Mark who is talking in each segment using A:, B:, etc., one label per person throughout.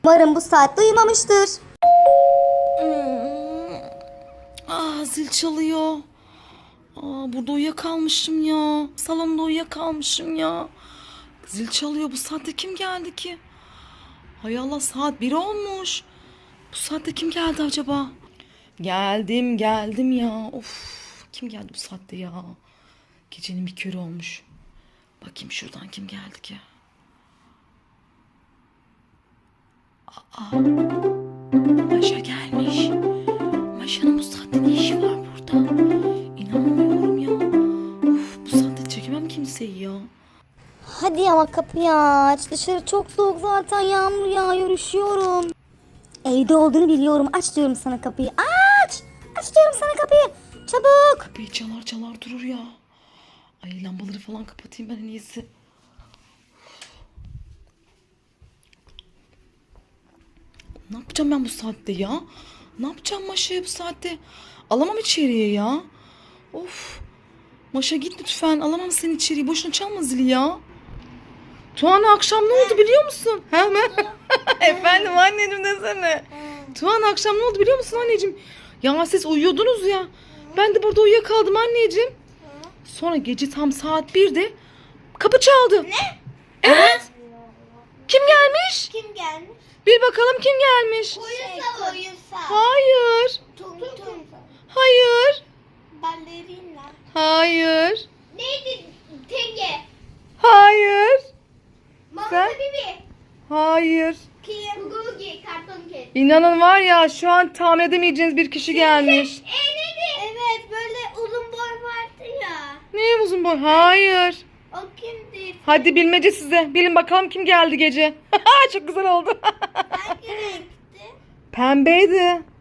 A: Umarım bu saatte uyumamıştır.
B: Zil çalıyor. Burada uyuyakalmışım ya. Salonda uyuyakalmışım ya. Zil çalıyor. Bu saatte kim geldi ki? Hay Allah, saat 1 olmuş. Bu saatte kim geldi acaba? Geldim ya. Of, kim geldi bu saatte ya? Gecenin bir körü olmuş. Bakayım şuradan kim geldi ki? Maşa gelmiş. Maşa'nın bu saatte ne işi var burada? İnanmıyorum ya. Of, bu saatte çekemem kimseyi ya.
A: Hadi ama kapıyı aç. Dışarı çok soğuk zaten, yağmur yağıyor, üşüyorum. Evde olduğunu biliyorum. Aç diyorum sana kapıyı. Aç! Aç diyorum sana kapıyı. Çabuk.
B: Kapıyı çalar durur ya. Ay, lambaları falan kapatayım ben en iyisi. Ne yapacağım ben bu saatte ya? Ne yapacağım Maşa'ya bu saatte? Alamam içeriye ya. Of. Maşa git lütfen. Alamam seni içeriye. Boşuna çalma zili ya. Tuana, akşam ne oldu biliyor musun? Hemen. Efendim anneciğim, desene. Tuana, akşam ne oldu biliyor musun anneciğim? Ya siz uyuyordunuz ya. Ben de burada uyuyakaldım anneciğim. Sonra gece tam saat 1'de kapı çaldı.
C: Ne?
B: Evet. Kim gelmiş?
C: Kim gelmiş?
B: Bir bakalım kim gelmiş.
C: Koyunsa.
B: Hayır.
C: Tum tum.
B: Hayır.
C: Ballerina.
B: Hayır.
C: Neydi? Tenge.
B: Hayır.
C: Mama
B: Sen?
C: Bibi.
B: Hayır.
C: Kim? Gugi. Karton Cat.
B: İnanın var ya, şu an tahmin edemeyeceğiniz bir kişi gelmiş.
C: Neydi? Evet, böyle uzun boy vardı ya.
B: Ne uzun boy? Hayır.
C: O kimdi?
B: Hadi bilmece size. Bilin bakalım kim geldi gece. Çok güzel oldu.
C: Hangi renkti?
B: Pembeydi.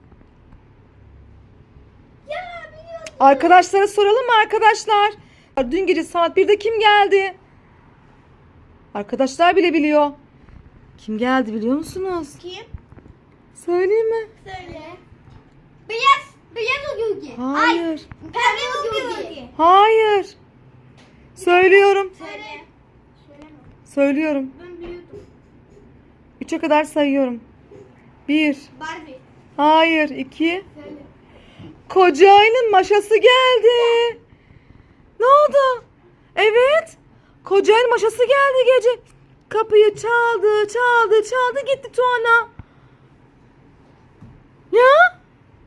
C: Ya biliyorum.
B: Arkadaşlara soralım mı arkadaşlar? Dün gece saat 1'de kim geldi? Arkadaşlar bile biliyor. Kim geldi biliyor musunuz?
C: Kim?
B: Söyleyeyim mi?
C: Söyle. Beyaz. Beyaz o Gugi.
B: Hayır.
C: Pembe o Gugi.
B: Hayır. Söylüyorum.
C: Söyle. Söyleme.
B: Söylüyorum.
C: Ben biliyordum.
B: 3'e kadar sayıyorum. 1.
C: Barbie.
B: Hayır. 2.
C: Söyle.
B: Koca ayının maşası geldi. Ne oldu? Evet. Koca ayının maşası geldi gece. Kapıyı çaldı gitti Tuana. Ya?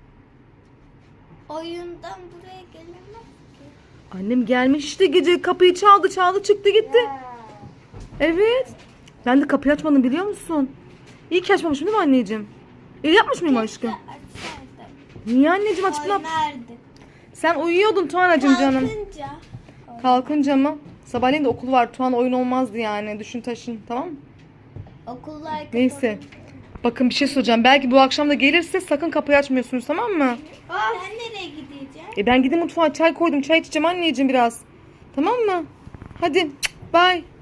C: Oyundan buraya gelemez ki.
B: Annem gelmiş işte, gece kapıyı çaldı çıktı gitti. Evet. Ben de kapıyı açmadım biliyor musun? İyi ki açmamışım değil mi anneciğim? İyi yapmış mıyım aşkım?
C: Açsaydım.
B: Niye anneciğim, açıp ne yap?
C: Oynardık.
B: Sen uyuyordun Tuana'cığım canım.
C: Kalkınca.
B: Kalkınca mı? Sabahleyin de okul var. Tuana oyun olmazdı yani. Düşün taşın, tamam mı?
C: Okullar
B: Neyse. Bakın bir şey soracağım. Belki bu akşam da gelirse sakın kapıyı açmıyorsunuz, tamam mı?
C: Sen nereye gideceksin?
B: Ben gideyim mutfağa, çay koydum. Çay içeceğim anneciğim biraz. Tamam mı? Hadi. Bye.